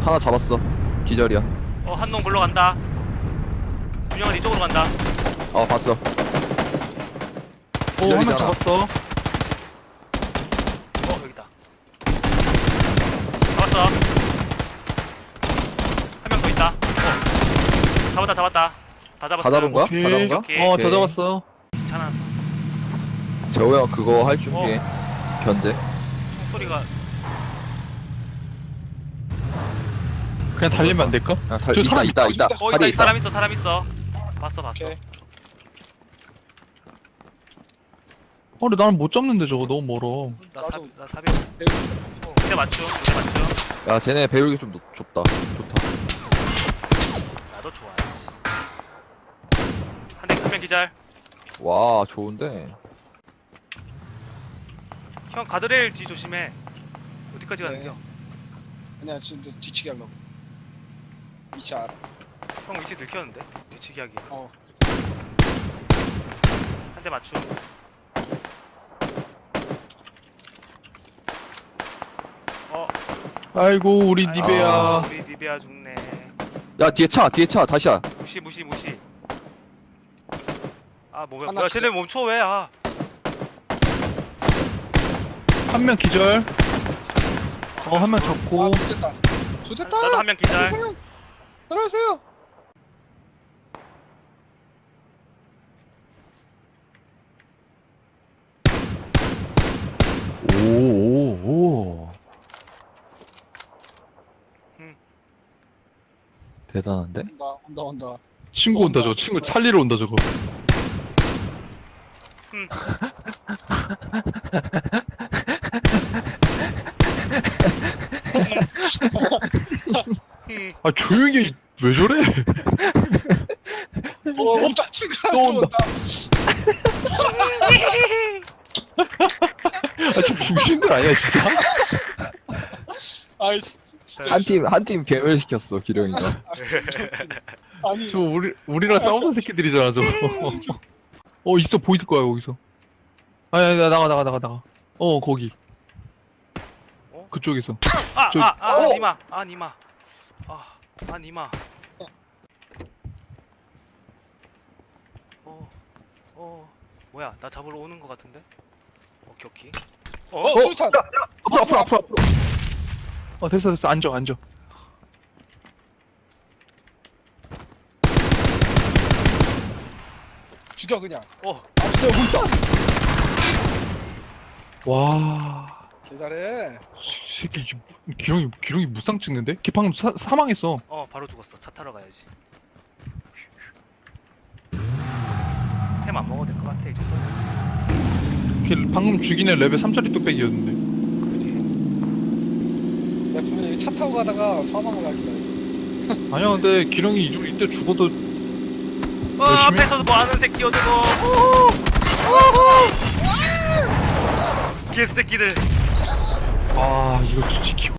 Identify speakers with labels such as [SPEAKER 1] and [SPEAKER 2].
[SPEAKER 1] 하나 잡았어. 기절이야.
[SPEAKER 2] 한 놈 불러 간다. 준영은 이쪽으로 간다.
[SPEAKER 1] 봤어.
[SPEAKER 3] 오, 한 명
[SPEAKER 1] 기절이잖아.
[SPEAKER 3] 잡았어.
[SPEAKER 2] 여기다. 잡았어. 한 명 더 있다. 잡았다. 다 잡았어.
[SPEAKER 1] 다 잡은 거야?
[SPEAKER 3] 오케이.
[SPEAKER 1] 다 잡은 거야?
[SPEAKER 2] 오케이.
[SPEAKER 3] 다
[SPEAKER 1] 오케이.
[SPEAKER 3] 잡았어.
[SPEAKER 2] 괜찮아.
[SPEAKER 1] 재호 형 그거 할 준비해. 견제.
[SPEAKER 2] 소리가
[SPEAKER 3] 그냥 달리면 안 될까?
[SPEAKER 1] 아,
[SPEAKER 3] 저 사람
[SPEAKER 1] 있다. 다리 있다.
[SPEAKER 2] 사람 있어. 봤어.
[SPEAKER 4] 오케이.
[SPEAKER 3] 근데 나는 못 잡는데 저거 너무 멀어.
[SPEAKER 2] 나 사비. 밑에 맞춤.
[SPEAKER 1] 야, 쟤네 배율이 좀 좋다.
[SPEAKER 2] 나도 좋아. 한명 기절.
[SPEAKER 1] 와, 좋은데.
[SPEAKER 2] 형 가드레일 뒤 조심해. 어디까지
[SPEAKER 4] 네.
[SPEAKER 2] 가는겨?
[SPEAKER 4] 아니야 지금 너 뒤치기 하려고. 위치 알아.
[SPEAKER 2] 형 위치 들켰는데? 뒤치기 하기. 한 대 맞춤.
[SPEAKER 3] 아이고 우리 니베야.
[SPEAKER 2] 우리 니베아 죽네.
[SPEAKER 1] 야, 뒤에 차, 다시야.
[SPEAKER 2] 무시. 뭐야?
[SPEAKER 4] 하나
[SPEAKER 2] 쟤네 멈춰 왜?
[SPEAKER 3] 한 명 기절. 한 명 잡고.
[SPEAKER 4] 좋됐다. 좋됐다.
[SPEAKER 2] 나도 한 명 기절.
[SPEAKER 4] 들어오세요.
[SPEAKER 1] 오. 대단한데?
[SPEAKER 4] 온다.
[SPEAKER 3] 친구 온다 저거. 친구 살리러 온다 저거. 아 조용히 왜 저래?
[SPEAKER 4] 온다. 친구가
[SPEAKER 3] 또 온다.
[SPEAKER 4] 온다.
[SPEAKER 3] 아저 중신들 아니야 진짜?
[SPEAKER 4] 아이 진짜.
[SPEAKER 1] 한 팀 괴멸시켰어, 기령이가.
[SPEAKER 4] 아니
[SPEAKER 3] 저 우리랑 싸우는 새끼들이잖아 저거. 있어 보일 거야 거기서. 아니 나가. 거기. 그쪽에서.
[SPEAKER 2] 니마. 니마. 뭐야? 나 잡으러 오는 거 같은데? 오케이.
[SPEAKER 4] 수류탄.
[SPEAKER 3] 앞으로. 됐어 앉아.
[SPEAKER 4] 죽여 그냥.
[SPEAKER 3] 와.
[SPEAKER 4] 개잘해.
[SPEAKER 3] 새끼 기룡이 무쌍 찍는데? 걔 방금 사망했어.
[SPEAKER 2] 바로 죽었어. 차 타러 가야지. 템 안 먹어도 될 것 같아 이 정도면.
[SPEAKER 3] 걔 방금 죽인 애 레벨 3짜리 뚝배기였는데.
[SPEAKER 2] 그지?
[SPEAKER 4] 내가 분명히 여기 차 타고 가다가 사망을 하길래.
[SPEAKER 3] 아니야 근데 기룡이 이때 죽어도 열심히
[SPEAKER 2] 앞에서도 뭐 하는 새끼 어디고? 개새끼들.
[SPEAKER 3] 이거 지키고